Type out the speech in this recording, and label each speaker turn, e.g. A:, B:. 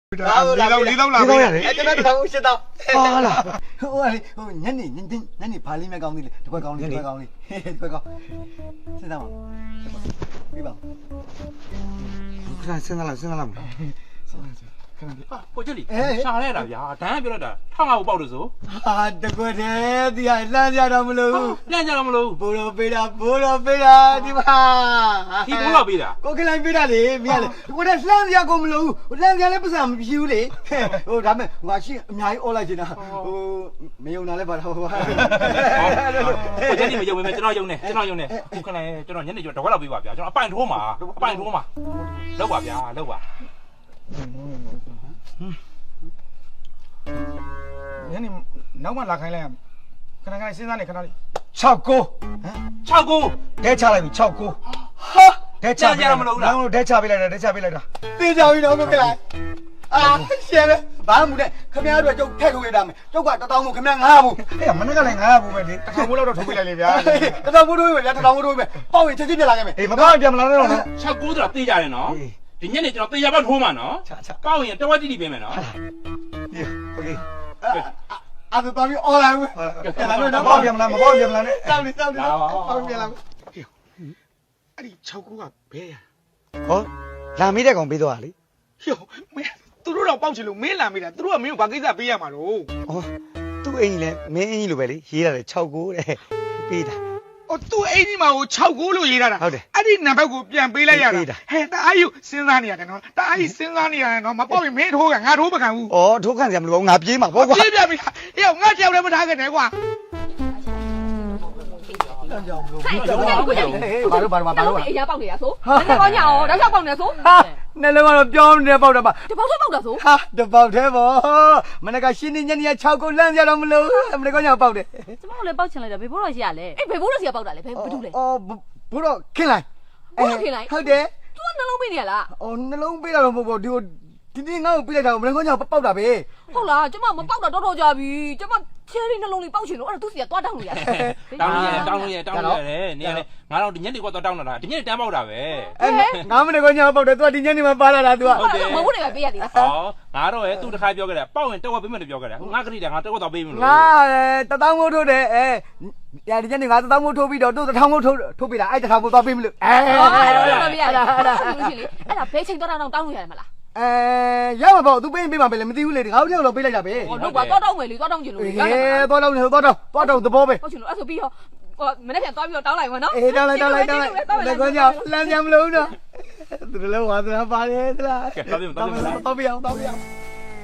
A: လေးတော့လာပြီအဲ့ကျွန်တော်တောင်းရှင်းတော့ဟာလားဟိုညနေဘာလေးမဲ့ကောင်းသေးလေတစ်ခွက်ကောင်းလေးတစ်ခွက်ကောင်းလေးတစ်ခွက်ကောင်းစဉ်းစားပါပြပါခဏစဉ်းစားလားခဏလေး
B: ကိုကျက်လီရှာလိုက်တာဗျာတန်းပြောလိုက်တာထောင်းငါ့ကိုပေါက်လို့ဆို
A: ဟာတကွက်တယ်ဒီဟာလှမ်းကြတော့မလို့
B: လှမ်းကြတော့မလို့
A: ဘိုးတော်ပေးတာဒီမှာ
B: ဒီဘိုးတော်ပေးတာ
A: ကိုကလိုင်းပေးတာလေမင်းကလေကိုတဲ့လှမ်းကြကုန်မလို့လှမ်းကြလဲပတ်စံမပြူးလေဟိုဒါမဲ့ငါရှိအများကြီးအော်လိုက်ချင်တာဟိုမယုံတာလဲပါတော့
B: ကိုကျက်လီမယုံမဲကျွန်တော်ယုံနေကိုခလိုက်ကျွန်တော်ညနေကျော်တခွက်လောက်ပေးပါဗျာကျွန်တော်အပိုင်ထိုးမှာလောက်ပါဗျာလောက်ပါ
C: ညနေနောက်မှလာခိုင်းလိုက်ရခဏစဉ်းစားနေခဏလေး
A: 6ကို
C: တဲချလိုက်ပြီ6ကို
A: ဟာ
C: တဲချပြမလို့လားတဲချပေးလိုက်တာ
A: သိကြပြီတော့ကိုကလိုက်ရှယ်ပဲဘာမှမလဲခင်ဗျားတို့ကျုပ်ထက်ထုတ်ရတာမယ်ကျုပ်က1000မို့ခင်ဗျား900မို့
C: အဲ့မနေ့ကလည်း900ဘူးပဲလေ1000မို့လောက်တော့ထုတ်ပေးလိုက်လေဗျာ
A: 1000မို့ထုတ်ပြီဗျာ1000မို့ထုတ်ပြီပေါ့ရင်ချက်ချင်းပြလာခဲ့မယ်
C: အေးမပေါ့ပြန်မလာနဲ့တော့နော်
B: 6ကိုဆိုတာသိကြတယ်နော်ဒီညနေကျွန်တော်တေးရပေါက်ထိုးမှာနော်ကောက်ရင်တဝက်တိတိပေးမယ်နော်
C: โอเค
A: အဲ့ဒါတော်ပြီអော်လာဘူး
C: ပြန်လာတော့မပေါ့ပြန်မလာနဲ့
A: စောင့်နေပေါ့ပြန်လာ
C: အဲ့ဒီ6ခုကဘဲရ
A: ဟောလာမေးတဲ့ကောင်ပေးသွားတာလေ
C: ဟိုမင်းသူတို့တော့ပေါက်ချင်လို့မင်းလာမေးတာသူတို့ကမင်းကိုဘာကိစ္စပေးရမှာတော့
A: ဟောသူ့အိမ်ကြီးလဲမင်းအင်းကြီးလိုပဲလေရေးရတယ်6ကိုတဲ့ပေးတာ
C: အော်သူ့အိမ်ကြီးမှာကို6ကိုလို့ရေးထားတာ
A: ဟုတ်တယ်
C: အဲ့ဒီနံပါတ်ကိုပြန်ပေးလိုက်ရတာဟဲ့တအားယူစဉ်းစားနေရတယ်နော်တအားကြီးစဉ်းစားနေရတယ်နော်မပေါ့ရင်မင်းထိုးကငါထိုးမခံဘူး
A: ဩထိုးခံစရာမလိုဘူးငါပြေးမှာပေါ့ကွာ
C: ပြေးပြပြီဟေ့ငါကြောက်လည်းမထားခဲ့နဲ့ကွာ
A: ဘာလို့
D: အေးရပေါက်နေတာဆိုနည်းကောင်းညာရောတော့ပေါက်နေဆို
A: ဟာနှလုံးကတော့ပြောနေပေါက်တာပါ
D: တပေါက်ထွက်ပေါက်တာဆို
A: ဟာတပေါက်သေးပေါ့မနေ့ကရှင်းနေညနေ6ကိုလန့်ကြတော့မလို့မနေ့ကညပေါက်တယ်
D: ကျမတို့လည်းပေါက်ချင်လိုက်တာဘေဘိုးတော်ရှိရလဲအေးဘေဘိုးတော်ရှိရပေါက်တာလေဘယ်သူလဲ
A: အော်ဘိုးတော်ခင်းလိုက်ဟုတ်တယ်
D: သူကနှလုံးပေးနေရလား
A: အော်နှလုံးပေးတာတော့မဟုတ်ဘူးဒီငါ့ကိုပေးလိုက်တာမနေ့ကညပေါက်တာပဲ
D: ဟုတ်လားကျမမပေါက်တာတော်ကြာပြီကျမချဲရီနှလုံးလေးပေါက်ချင်လို့အဲ့ဒါသူစီကသွားတောင်းလို့ရတယ်
B: တောင်းလို့ရတယ်နေရတယ်ငါတော့ဒီညနေကတော့တောင်းလာတာဒီညနေတန်းပေါက်တာပဲ
A: အဲ့ငါမနေ့ကညပေါက်တယ်သူကဒီညနေမှာပါလာတာသူက
D: ဟုတ်တယ်မဟုတ်တယ်ပဲပေးရသေးလား
B: ဟောငါတော့ရဲ့သူတခါပြောခဲ့တယ်ပေါက်ရင်တက်ဝက်ပေးမယ်လို့ပြောခဲ့တယ်ဟိုငါကတိတယ်ငါတက်ဝက်တော့ပေးမလို့
A: ငါ1000မို့ထိုးတယ်ဒီညနေငါ1000မို့ထိုးပြီးတော့သူ1000မို့ထိုးပေးတာအဲ့1000မို့သွားပေးမလို့
D: အဲ့ဒါပေးရတယ်အဲ့ဒါဘယ်ချိန်တော့တောင်းလို့ရတယ်မလား
A: ရမှာပေါ့သူပေးမှာပဲလေမသိဘူးလေငါတို့တော့ပေးလိုက်တာပဲ
D: ဟုတ်ပါတော့တောင်းမယ်လေသွားတောင်းချင်လို့
A: သွားတောင်းသဘောပဲ
D: ဟုတ်ချင်လို့အဲ့ဆိုပြီးတော့မနေ့ကသွားပြီးတော့တောင်းလိုက်ပါနော်
A: အေးတောင်းလိုက်လက်ကောကြောင်လမ်းကြမလို့နော်သူတို့လည်းဝါသနာပါတယ်သလား
B: ကဲတော့ပြအောင်